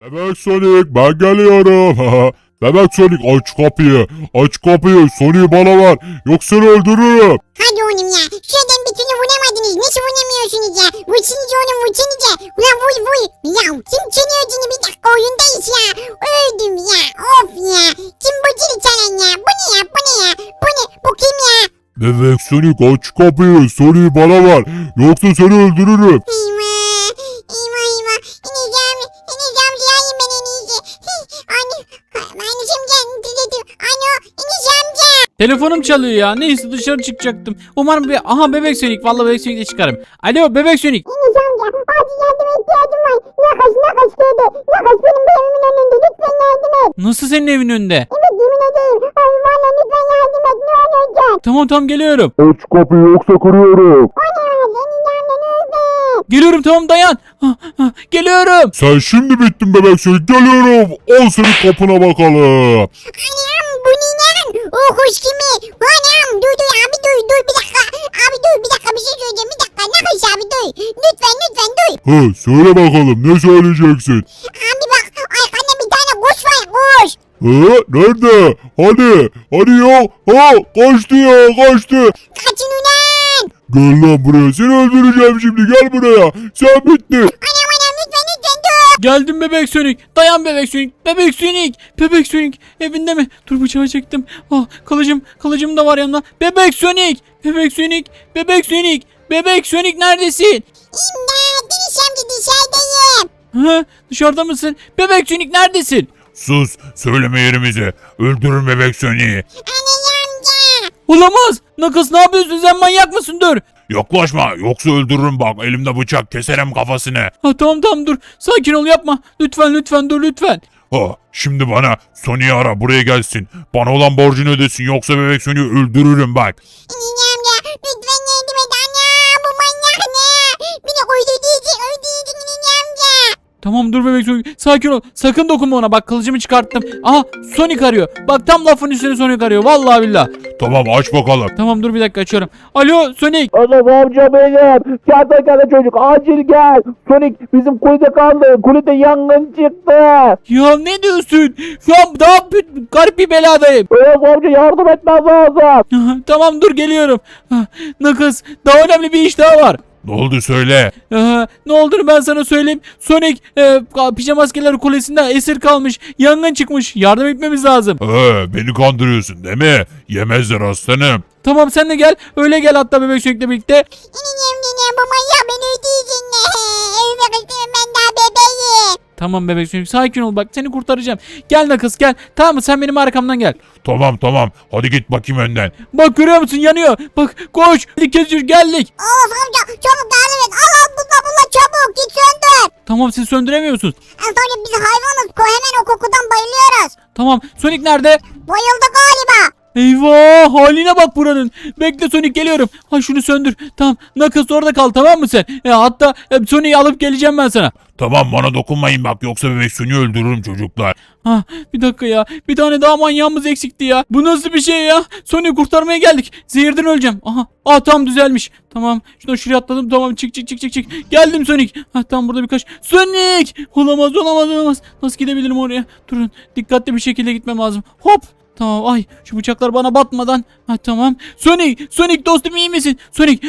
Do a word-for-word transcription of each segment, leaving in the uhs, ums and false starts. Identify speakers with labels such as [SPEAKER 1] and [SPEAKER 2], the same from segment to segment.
[SPEAKER 1] Bebek Sonic ben geliyorum. Bebek Sonic aç kapıyı. Aç kapıyı. Sonic'i bana ver. Yoksa seni öldürürüm.
[SPEAKER 2] Hadi oğlum ya. Şuradan bir türlü vuramadınız. Nasıl vuramıyorsunuz ya? Vursunuz oğlum vursunuz ya. Ulan vur vur. Ya kim seni öldüğünü bir dakika oyundayız ya. Öldüm ya. Of ya. Kim bu dili çalan ya? Bu ne ya? Bu ne ya? Bu ne? Bu kim ya?
[SPEAKER 1] Bebek Sonic aç kapıyı. Sonic'i bana ver. Yoksa seni öldürürüm.
[SPEAKER 2] Eyvah. Eyvah eyvah. İneceğim. İneceğim. Zilayım ben en iyisi. Anne. Anneciğim gel. Anne. İneceğim gel.
[SPEAKER 3] Telefonum çalıyor ya. Neyse dışarı çıkacaktım. Umarım bir... Aha bebek Sonic. Vallahi bebek Sonic'le çıkarım. Alo bebek Sonic.
[SPEAKER 2] İneceğim gel. Acil yardıma ihtiyacım var. Nakas nakas dedi. Nakas benim bu evimin önünde. Lütfen yardım et.
[SPEAKER 3] Nasıl senin evin önünde?
[SPEAKER 2] Evet yemin ederim. Ay valla lütfen yardım et. Ne olacak?
[SPEAKER 3] Tamam tamam geliyorum.
[SPEAKER 1] Aç kapıyı yoksa kırıyorum.
[SPEAKER 2] O ne var? Senin yandan öldü.
[SPEAKER 3] Geliyorum tamam dayan. Ah, ah, geliyorum.
[SPEAKER 1] Sen şimdi bittin Bebek Sonic. Geliyorum. Al senin kapına bakalım.
[SPEAKER 2] Anam bu ne lan? O kuş kimi? Anam dur dur abi dur dur bir dakika. Abi dur bir dakika bir şey söyleyeceğim bir dakika. Ne kuş abi dur. Lütfen lütfen dur.
[SPEAKER 1] Hı, söyle bakalım ne söyleyeceksin?
[SPEAKER 2] Abi bak arkanda bir tane kuş var kuş.
[SPEAKER 1] Hı, nerede? Hadi. Hadi ya. Ha, kaçtı ya kaçtı.
[SPEAKER 2] Kaçın ulan.
[SPEAKER 1] Gel lan buraya. Seni öldüreceğim şimdi. Gel buraya. Sen bittin.
[SPEAKER 2] Anam anam lütfen lütfen dur.
[SPEAKER 3] Geldim bebek Sonic. Dayan bebek Sonic. Bebek Sonic. Bebek Sonic. Evinde mi? Dur bıçağı çektim. Ah kılıcım. Kılıcım da var yanımda. Bebek Sonic. Bebek Sonic. Bebek Sonic. Bebek Sonic neredesin?
[SPEAKER 2] İmdat Deniz amca dışarıdayım.
[SPEAKER 3] Ha, dışarıda mısın? Bebek Sonic neredesin?
[SPEAKER 1] Sus. Söyleme yerimizi. Öldürün Bebek Sonic'i.
[SPEAKER 2] Anam amca.
[SPEAKER 3] Olamaz. Nakas ne yapıyorsun sen manyak mısın dur.
[SPEAKER 1] Yaklaşma. Yoksa öldürürüm bak. Elimde bıçak. Keserim kafasını.
[SPEAKER 3] Ha, tamam tamam dur. Sakin ol yapma. Lütfen lütfen dur lütfen.
[SPEAKER 1] Ha, şimdi bana Sonic'i ara buraya gelsin. Bana olan borcunu ödesin. Yoksa Bebek Sonic'i öldürürüm bak.
[SPEAKER 2] Anam amca lütfen yardım et anam. Bu manyak ne? Beni öldürdüğü öldürdü anam amca.
[SPEAKER 3] Tamam dur bebek Sonic. Sakin ol. Sakın dokunma ona. Bak kılıcımı çıkarttım. Aha Sonic arıyor. Bak tam lafın üstüne Sonic arıyor. Vallahi billah.
[SPEAKER 1] Tamam aç bakalım.
[SPEAKER 3] Tamam dur bir dakika açıyorum. Alo Sonic.
[SPEAKER 4] Oğlum amca benim. Kertenkele çocuk acil gel. Sonic bizim kulede kaldı. Kulede yangın çıktı.
[SPEAKER 3] Ya ne diyorsun? Şu an daha b- garip bir beladayım.
[SPEAKER 4] Oğlum amca yardım etmez lazım.
[SPEAKER 3] Aha, tamam dur geliyorum. Ah, Nakas daha önemli bir iş daha var.
[SPEAKER 1] Ne oldu söyle.
[SPEAKER 3] Aha, ne olduğunu ben sana söyleyeyim. Sonic e, pijama askerleri kulesinde esir kalmış. Yangın çıkmış. Yardım etmemiz lazım.
[SPEAKER 1] Ee, beni kandırıyorsun değil mi? Yemezler aslanım.
[SPEAKER 3] Tamam sen de gel. Öyle gel hatta bebek Sonic'le birlikte.
[SPEAKER 2] Anam anam bu manyak beni öldürdü ne? Evime kızım ben daha bebeğim.
[SPEAKER 3] Tamam bebek Sonic sakin ol bak seni kurtaracağım. Gel Nakas gel. Tamam mı sen benim arkamdan gel.
[SPEAKER 1] Tamam tamam. Hadi git bakayım önden.
[SPEAKER 3] Bak görüyor musun yanıyor. Bak koş. Hadi Kezir geldik.
[SPEAKER 2] Of amca çabuk yardım et. Al al bununla bununla çabuk git söndür.
[SPEAKER 3] Tamam siz söndüremiyorsunuz.
[SPEAKER 2] Sonra biz hayvanız ko hemen o kokudan bayılıyoruz.
[SPEAKER 3] Tamam Sonic nerede?
[SPEAKER 2] Bayıldı galiba.
[SPEAKER 3] Eyvah haline bak buranın. Bekle Sonic geliyorum. Ha şunu söndür. Tamam Nakas orada kal tamam mı sen? E, hatta e, Sonic'i alıp geleceğim ben sana.
[SPEAKER 1] Tamam bana dokunmayın bak yoksa Bebek Sonic'i öldürürüm çocuklar.
[SPEAKER 3] Ha bir dakika ya. Bir tane daha manyağımız eksikti ya. Bu nasıl bir şey ya? Sonic'i kurtarmaya geldik. Zehirden öleceğim. Aha. Aa tam düzelmiş. Tamam. Şuradan şuraya atladım. Tamam çık çık çık çık çık. Geldim Sonic. Ha tam burada birkaç. Sonic! Olamaz olamaz olamaz. Nasıl gidebilirim oraya? Durun. Dikkatli bir şekilde gitmem lazım. Hop. Tamam ay şu bıçaklar bana batmadan. Ha tamam. Sonic! Sonic dostum iyi misin? Sonic!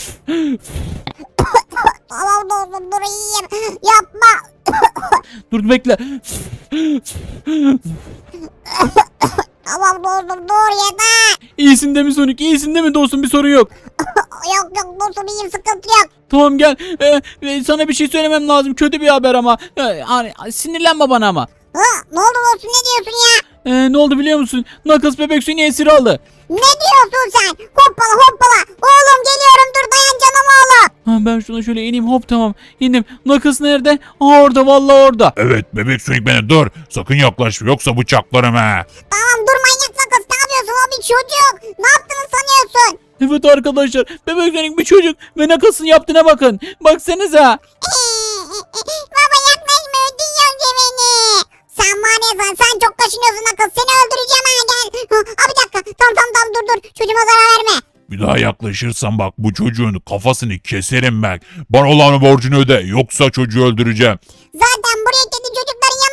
[SPEAKER 2] Tamam dostum dur iyiyim. Yapma.
[SPEAKER 3] Dur bekle.
[SPEAKER 2] Tamam dostum dur yeter.
[SPEAKER 3] İyisin değil mi Sonic? İyisin değil mi dostum? Bir sorun yok.
[SPEAKER 2] Yok yok dostum iyiyim sıkıntı yok.
[SPEAKER 3] Tamam gel. Ee, e, sana bir şey söylemem lazım. Kötü bir haber ama. Ee, hani sinirlenme bana ama.
[SPEAKER 2] Ha, ne oldu dostum ne diyorsun ya?
[SPEAKER 3] Ee, ne oldu biliyor musun? Nakas bebek Sonic'i esir aldı.
[SPEAKER 2] Ne diyorsun sen? Hoppala hoppala. Oğlum geliyorum dur dayan canım oğlum.
[SPEAKER 3] Ha, ben şuna şöyle ineyim hop tamam. İndim. Nakas nerede? Aa orada vallahi orada.
[SPEAKER 1] Evet Bebek Sonic beni dur. Sakın yaklaşma yoksa bıçaklarım ha.
[SPEAKER 2] Tamam dur manyak kız ne yapıyorsun o bir çocuk. Ne yaptığını sanıyorsun?
[SPEAKER 3] Evet arkadaşlar. Bebek Sonic bir çocuk ve Nakas'ın yaptığına bakın. Baksanıza.
[SPEAKER 2] Baba yaklaşma öldürüyorsun beni. Sen var ya sen, sen çok kaşınıyorsun kız seni öldüreceğim ha gel. Ha, bir dakika tamam tamam tamam dur dur çocuğuma zarar verme.
[SPEAKER 1] Bir daha yaklaşırsan bak bu çocuğun kafasını keserim bak. Bana olan borcunu öde yoksa çocuğu öldüreceğim.
[SPEAKER 2] Zaten buraya kendi çocukların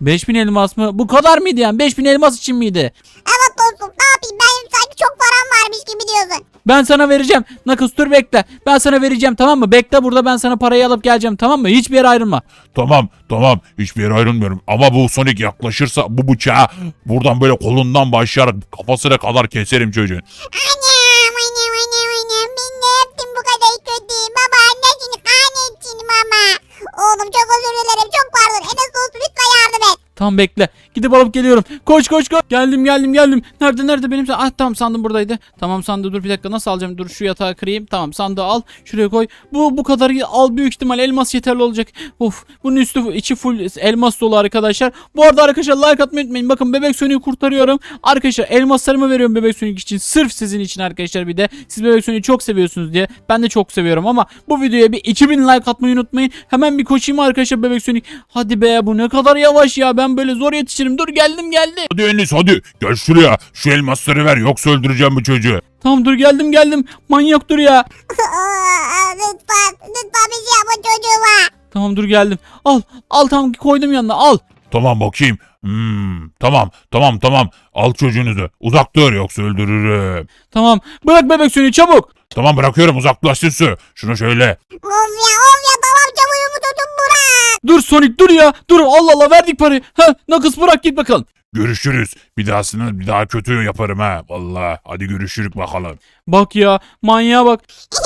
[SPEAKER 3] beş bin elmas mı? Bu kadar mıydı yani? beş bin elmas için miydi?
[SPEAKER 2] Evet dostum ne yapayım ben sanki çok param varmış gibi diyorsun.
[SPEAKER 3] Ben sana vereceğim. Nakıs dur bekle. Ben sana vereceğim tamam mı? Bekle burada, ben sana parayı alıp geleceğim tamam mı? Hiçbir yere ayrılma.
[SPEAKER 1] Tamam tamam hiçbir yere ayrılmıyorum ama bu Sonic yaklaşırsa bu bıçağı buradan böyle kolundan başlayarak kafasına kadar keserim çocuğun.
[SPEAKER 2] Anam anam anam anam ben ne yaptım bu kadar kötü. Baba annesini kahretsin mama. Oğlum çok özür dilerim çok pardon. Enes dostum lütfen yardım et.
[SPEAKER 3] Tamam bekle. Gidip alıp geliyorum. Koş koş koş. Geldim geldim geldim. Nerede nerede benim? Ah tamam, sandım buradaydı. Tamam sandığı dur bir dakika, nasıl alacağım? Dur şu yatağı kırayım. Tamam sandığı al. Şuraya koy. Bu bu kadar al, büyük ihtimal elmas yeterli olacak. Of, bunun üstü içi full elmas dolu arkadaşlar. Bu arada arkadaşlar like atmayı unutmayın. Bakın Bebek Sonic'i kurtarıyorum. Arkadaşlar elmaslarımı veriyorum Bebek Sonic için. Sırf sizin için arkadaşlar bir de. Siz Bebek Sonic'i çok seviyorsunuz diye. Ben de çok seviyorum ama bu videoya bir iki bin like atmayı unutmayın. Hemen bir koşayım arkadaşlar Bebek Sonic. Hadi be, bu ne kadar yavaş ya. Ben böyle zor yetişirim. Dur geldim geldim.
[SPEAKER 1] Hadi Enes hadi gel şuraya şu elmasları ver yoksa öldüreceğim bu çocuğu.
[SPEAKER 3] Tamam dur geldim geldim. Manyak dur ya.
[SPEAKER 2] lütfen lütfen bir şey yapma çocuğuma.
[SPEAKER 3] Tamam dur geldim. Al al tamam, koydum yanına al.
[SPEAKER 1] Tamam bakayım. Hmm, tamam tamam tamam al çocuğunuzu uzak dur yoksa öldürürüm.
[SPEAKER 3] Tamam bırak Bebek Sonic çabuk.
[SPEAKER 1] Tamam bırakıyorum uzaklaşsın su. Şunu şöyle.
[SPEAKER 2] Of ya of ya tamam çabuğumu tutun bırak.
[SPEAKER 3] Dur Sonic dur ya. Dur Allah Allah, verdik parayı. Ha Nakıs bırak git bakalım.
[SPEAKER 1] Görüşürüz. Bir dahasını bir daha kötü yaparım ha. Vallahi hadi görüşürük bakalım.
[SPEAKER 3] Bak ya, manyağa bak.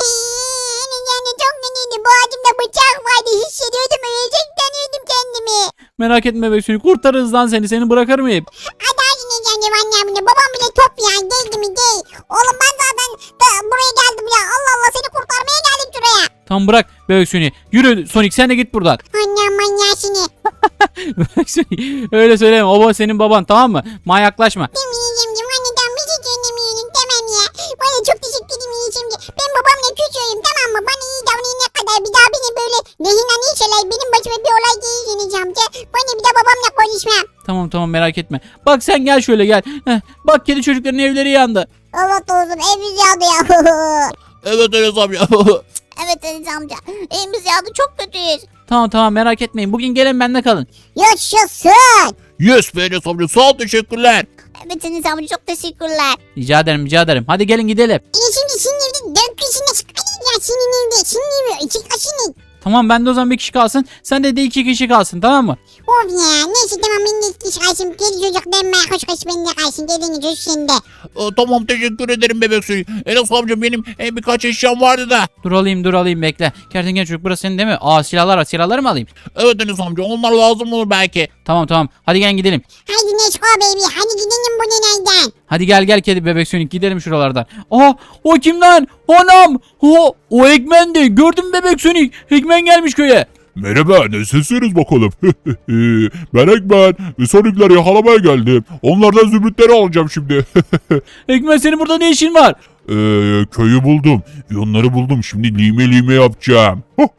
[SPEAKER 2] Enes yani çok kötüydü. Bu acımda bıçak vardı. Hissediyordum ölecek sanıyordum kendimi.
[SPEAKER 3] Merak etme Bebek Sonic, kurtarırız lan seni. Seni bırakır mıyım?
[SPEAKER 2] Hadi hadi ne geleceğim annemle. Babam bile top ya. Değildi mi değil. Oğlum ben zaten da buraya geldim ya. Allah Allah seni kurtarmaya geldim şuraya.
[SPEAKER 3] Tamam bırak Bebek Sonic. Yürü Sonic, sen de git buradan.
[SPEAKER 2] Annem manyasını.
[SPEAKER 3] Bebek Sonic öyle söyleme. O senin baban tamam mı? Manyaklaşma.
[SPEAKER 2] Demeyeceğim anneden bir şey söylemiyorum tamam ya. Bana çok teşekkür ederim yiyeceğim. Ben babamla küçüğüm tamam mı? Bana iyi davranana kadar bir daha beni böyle rehinan şeyler benim başıma bir olay geleceğini amca. Bana bir daha babamla konuşmam.
[SPEAKER 3] Tamam tamam merak etme. Bak sen gel şöyle gel. Heh, bak kedi çocukların evleri yandı.
[SPEAKER 2] Evet olsun evimiz yandı ya.
[SPEAKER 1] Evet Enes amca.
[SPEAKER 2] Evet Enes amca evimiz yandı çok kötüyüz.
[SPEAKER 3] Tamam tamam merak etmeyin. Bugün gelin bende kalın.
[SPEAKER 2] Yaşasın.
[SPEAKER 1] Yes be Enes amca sağ ol teşekkürler.
[SPEAKER 2] Evet Enes amca çok teşekkürler.
[SPEAKER 3] Rica ederim rica ederim. Hadi gelin gidelim.
[SPEAKER 2] E şimdi senin evde dört kişine çıkarız ya senin evde. Senin evde iki kişinin.
[SPEAKER 3] Tamam bende o zaman bir kişi kalsın. Sen de de iki kişi kalsın tamam mı?
[SPEAKER 2] Of ya neyse tamam ben de iki kişi kalsın. Kedi çocuk denme koş koş bende kalsın. Dediğin çocuk sende.
[SPEAKER 1] Aa, tamam teşekkür ederim bebek suyu. Enes amca benim e, birkaç eşyam vardı da.
[SPEAKER 3] Dur alayım dur alayım bekle. Kertenkele çocuk burası senin değil mi? Aa silahlar var, silahları mı alayım?
[SPEAKER 1] Evet Enes amca onlar lazım olur belki.
[SPEAKER 3] Tamam tamam hadi gel gidelim.
[SPEAKER 2] Hadi Neşko baby hadi gidelim bu nereden?
[SPEAKER 3] Hadi gel gel kedi bebek Sonic gidelim şuralardan. Aha o kim lan? Anam. O, o Eggman'di. Gördün mü bebek Sonic? Eggman gelmiş köye.
[SPEAKER 1] Merhaba nasılsınız bakalım. Ben Eggman ve Sonic'leri yakalamaya geldim. Onlardan zümrütleri alacağım şimdi.
[SPEAKER 3] Eggman senin burada ne işin var?
[SPEAKER 1] Ee, köyü buldum. Ve onları buldum. Şimdi lime lime yapacağım.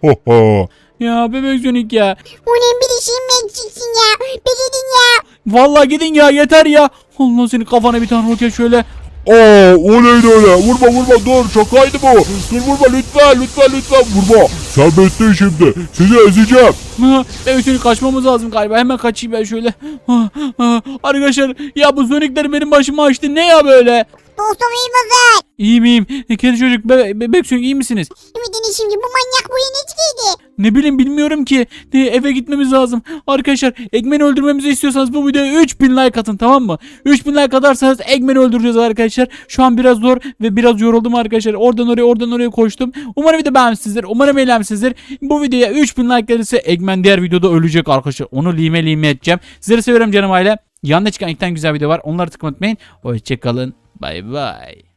[SPEAKER 3] Ya bebek Sonic ya.
[SPEAKER 2] Onun bir işin eksiksin ya. Bilidin ya.
[SPEAKER 3] Vallahi gidin ya, yeter ya. Allah senin kafana bir tane roket şöyle.
[SPEAKER 1] Aa o neydi öyle? Vurma vurma dur şakaydı bu. Dur vurma lütfen lütfen lütfen vurma. Sen bittin şimdi. Sizi ezeceğim.
[SPEAKER 3] Ha, bebek Sonic kaçmamız lazım galiba. Hemen kaçayım ben şöyle. Ha, ha. Arkadaşlar ya bu Sonic'ler benim başımı açtı. Ne ya böyle?
[SPEAKER 2] Dostum iyi misin?
[SPEAKER 3] İyiyim iyiyim. E, kedi çocuk bebe bebek Sonic iyi misiniz?
[SPEAKER 2] Ümidini şimdi bu manyak bu yeni çıkıydı.
[SPEAKER 3] Ne bileyim bilmiyorum ki. Ne, eve gitmemiz lazım. Arkadaşlar Eggman'i öldürmemizi istiyorsanız bu videoya üç bin like atın tamam mı? üç bin like atarsanız Eggman'i öldüreceğiz arkadaşlar. Şu an biraz zor ve biraz yoruldum arkadaşlar. Oradan oraya oradan oraya koştum. Umarım video beğenmişsinizdir. Umarım eğlenmişsinizdir. Bu videoya üç bin like gelirse Eggman diğer videoda ölecek arkadaşlar. Onu lime lime edeceğim. Sizleri seviyorum canım aile. Yanında çıkan iki tane güzel video var. Onları tıklamayı unutmayın. Hoşçakalın. Bay bay.